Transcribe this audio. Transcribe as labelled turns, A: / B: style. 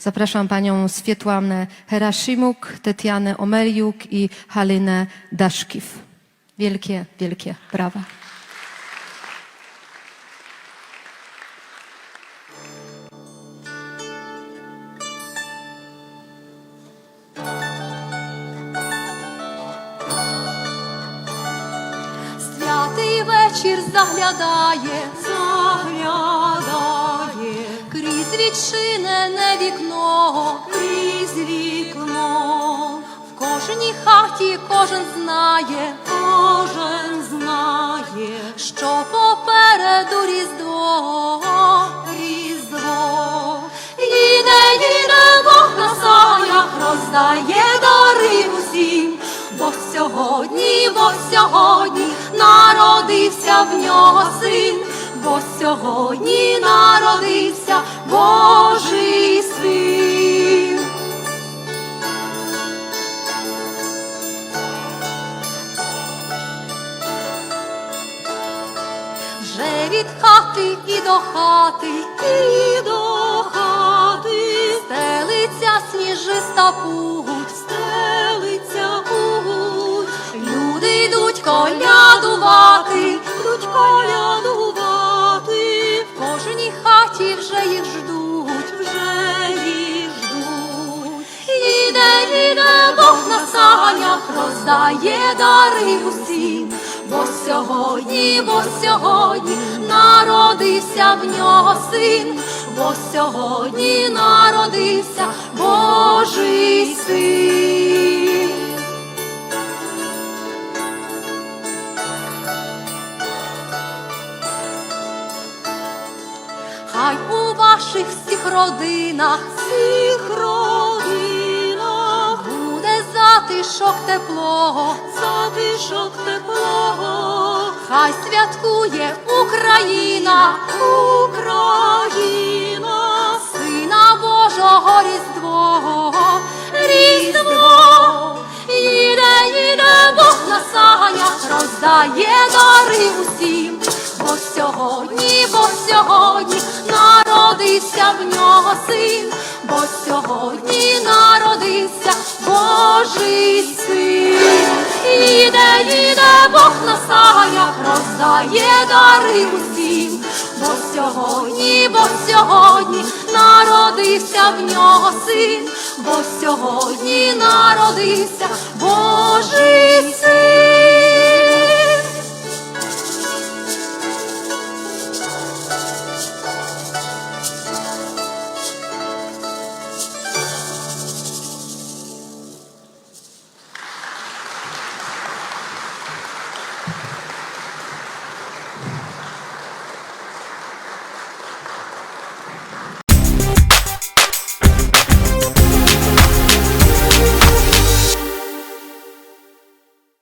A: Zapraszam panią Swietłanę Heraszimuk, Tetianę Omeliuk i Halinę Daszkiw. Wielkie, wielkie brawa.
B: Святий вечір заглядає, крізь відчинене вікно, в кожній хаті кожен знає, що попереду Різдво. Їде Бог на санях, роздає дари усім, бо сьогодні народився в нього син, бо сьогодні народився Божий син. Вже від хати і до хати, стелиться сніжиста путь, люди йдуть колядувати, в кожній хаті вже їх ждуть, Їде Бог на санях, роздає дари усім, бо сьогодні народився в нього син, бо сьогодні народився Божий син. Хай у ваших всіх родинах буде затишок теплого, хай святкує Україна, Сина Божого Різдво. Їде Бог на санях, роздає дари усім, бо сьогодні народився в нього син, бо сьогодні народився Божий син. Їде Бог на санях, роздає дари усім, бо сьогодні народився в нього син, бо сьогодні народився Божий син.